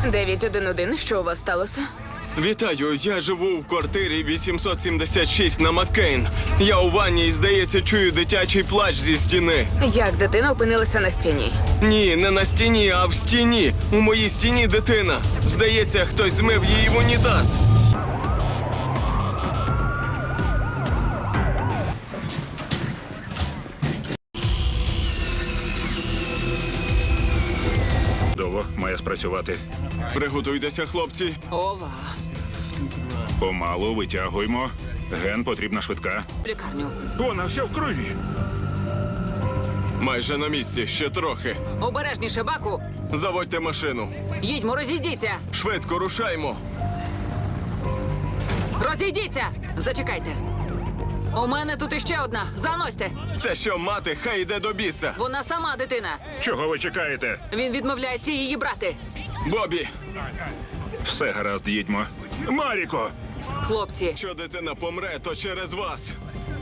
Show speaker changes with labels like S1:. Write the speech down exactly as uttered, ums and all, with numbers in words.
S1: дев'ять один один, що у вас сталося?
S2: Вітаю, я живу в квартирі вісімсот сімдесят шість на Маккейн. Я у ванні і, здається, чую дитячий плач зі стіни.
S1: Як дитина опинилася на стіні?
S2: Ні, не на стіні, а в стіні. У моїй стіні дитина. Здається, хтось змив її в унітаз.
S3: Довго має спрацювати.
S2: Приготуйтеся, хлопці.
S1: Ова.
S3: Помалу витягуємо. Ген потрібна швидка.
S1: В лікарню.
S3: Вона вся в крові.
S2: Майже на місці, ще трохи.
S1: Обережніше, Баку.
S2: Заводьте машину.
S1: Їдьмо, розійдіться.
S2: Швидко рушаймо.
S1: Розійдіться. Зачекайте. У мене тут іще одна. Заносьте.
S2: Це що, мати, хай йде до біса.
S1: Вона сама дитина.
S3: Чого ви чекаєте?
S1: Він відмовляється її брати.
S2: Бобі,
S3: Все гаразд, їдьмо. Маріко!
S1: Хлопці,
S2: що дитина помре, то через вас.